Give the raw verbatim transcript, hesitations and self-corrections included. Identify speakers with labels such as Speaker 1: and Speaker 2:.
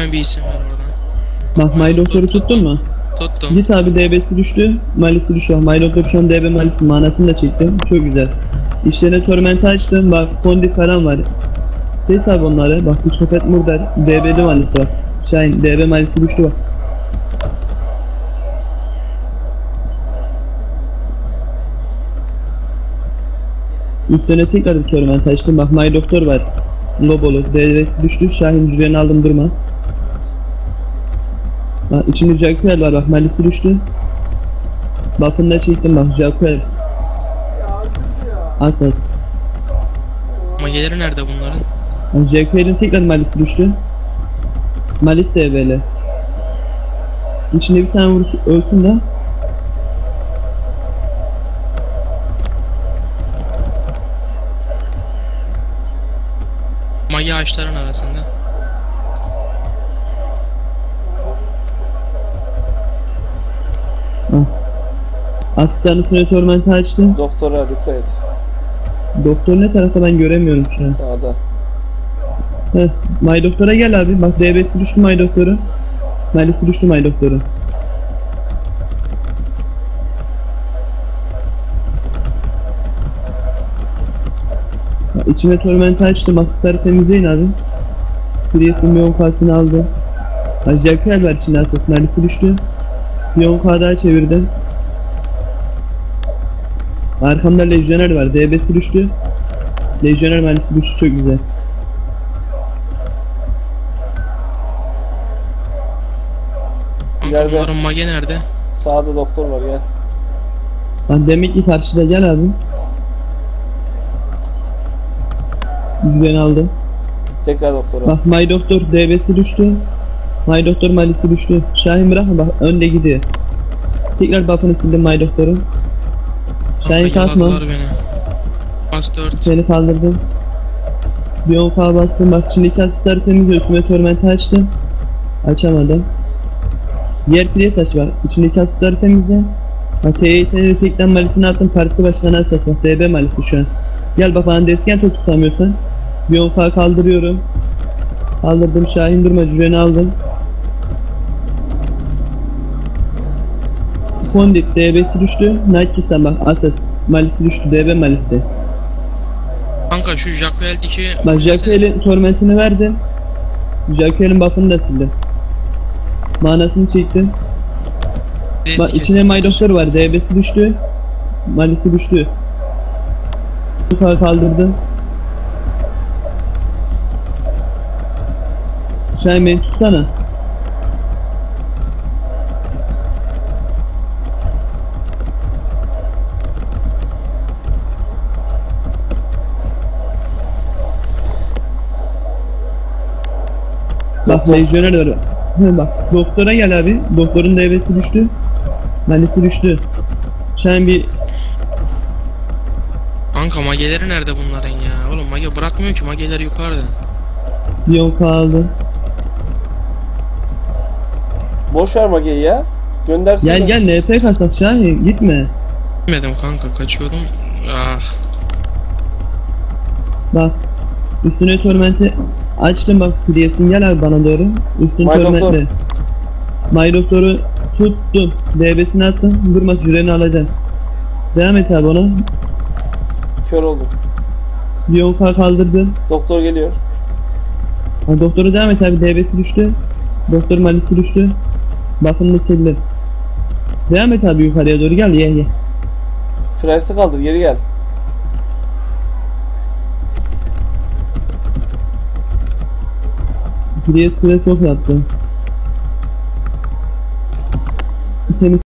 Speaker 1: Hemen bir isim ver oradan.
Speaker 2: Bak My Doktor'u tuttun mu?
Speaker 1: Tuttum.
Speaker 2: Git abi D B'si düştü. Malisi düştü. My Doktor şu an D B Malisi manasını da çektim. Çok güzel. İşlerine Torment'i açtım. Bak Fondip falan var. Kes abi onları. Bak bu Sopet Murder. D B'li Malisi var. Şahin D B Malisi düştü bak. Üstüne tekrar bir Torment açtım. Bak My Doktor var. Lobolu. D B'si düştü. Şahin cüreni aldım durma. Bak içimde Jacquel var bak Malisi düştü. Buff'ını da çektim bak Jacquel. Asas.
Speaker 1: Mageleri nerede bunların?
Speaker 2: Bak Jacquel'in tekrar Malisi düştü. Malis de böyle. İçinde bir tane vursun ölsün de.
Speaker 1: Mage ağaçların arasında.
Speaker 2: Asistanın üstüne Torment'i açtım.
Speaker 3: Doktora dikkat et.
Speaker 2: Doktor ne tarafta ben göremiyorum şu an.
Speaker 3: Sağda.
Speaker 2: Heh, My Doktor'a gel abi. Bak D B'si düştü My Doktor'u. Malisi düştü My Doktor'u. İçine Torment'i açtım. Asisleri temizleyin abi. Priest'in bir on K'sını aldı. Jacquel var içinde asas. Malisi düştü. Bir on K daha çevirdim. Arkamda Legioner var. D B'si düştü. Legioner Malisi düştü. Çok güzel.
Speaker 1: Kanka bunların mage nerede?
Speaker 3: Sağda doktor var gel.
Speaker 2: Lan demek ki karşıda gel abi. Güzel aldım.
Speaker 3: Tekrar doktora.
Speaker 2: Bak My Doktor D B'si düştü. My Doktor Malisi düştü. Şahin bırakma bak önde gidiyor. Tekrar buff'ını sildim My Doktor'un. Şahin kalkma.
Speaker 1: Bas dört.
Speaker 2: Seni kaldırdım. Bir on K bastım bak içindeki asistleri temizliyor. Üstüme Torment'i açtım. Açamadım. Diğer priest aç var. İçindeki asistleri temizle. Bak T Y T'de tekten Malisini attım. Parti başkanı asas bak. D B Malisi şu an. Gel bak bana desken top tutamıyorsan. Bir on K kaldırıyorum. Kaldırdım Şahin durma cüreni aldım. Fondip D B'si düştü. Nightkissen bak asas. Malisi düştü D B Malisi.
Speaker 1: Kanka şu Jacquel'deki...
Speaker 2: Bak Jacquel'in Torment'ini verdim. Jacquel'in buff'ını da sildim. Manasını çektim. Bak içine My Doktor var. D B'si düştü. Malisi düştü. Yukarı kaldırdım. Sen beni tutsana. Bak Legioner var. Bak doktora gel abi. Doktorun D B'si düştü. Malisi düştü. Sen bir...
Speaker 1: Kanka mageleri nerede bunların ya? Oğlum mage bırakmıyor ki, mageler yukarıda.
Speaker 2: Yok kaldı.
Speaker 3: Boş ver mageyi ya. Göndersene.
Speaker 2: Gel gel N P kasak Şahin gitme.
Speaker 1: Gitmedim kanka, kaçıyordum. Ah.
Speaker 2: Bak üstüne Torment'i açtım bak Priest'in gel abi bana doğru. Üstüne Torment'le. My Doktor'u tuttum. D B'sini attım. Durma cüreni alacaksın. Devam et abi ona.
Speaker 3: Kör oldum.
Speaker 2: Bir on K kaldırdım.
Speaker 3: Doktor geliyor.
Speaker 2: Ha, doktoru devam et abi. D B'si düştü. Doktor Malisi düştü. Buff'ını da sildim. Devam et abi yukarıya doğru gel ye ye.
Speaker 3: Price'ı kaldır geri gel.
Speaker 2: Priest Priest yok yaptı. Seni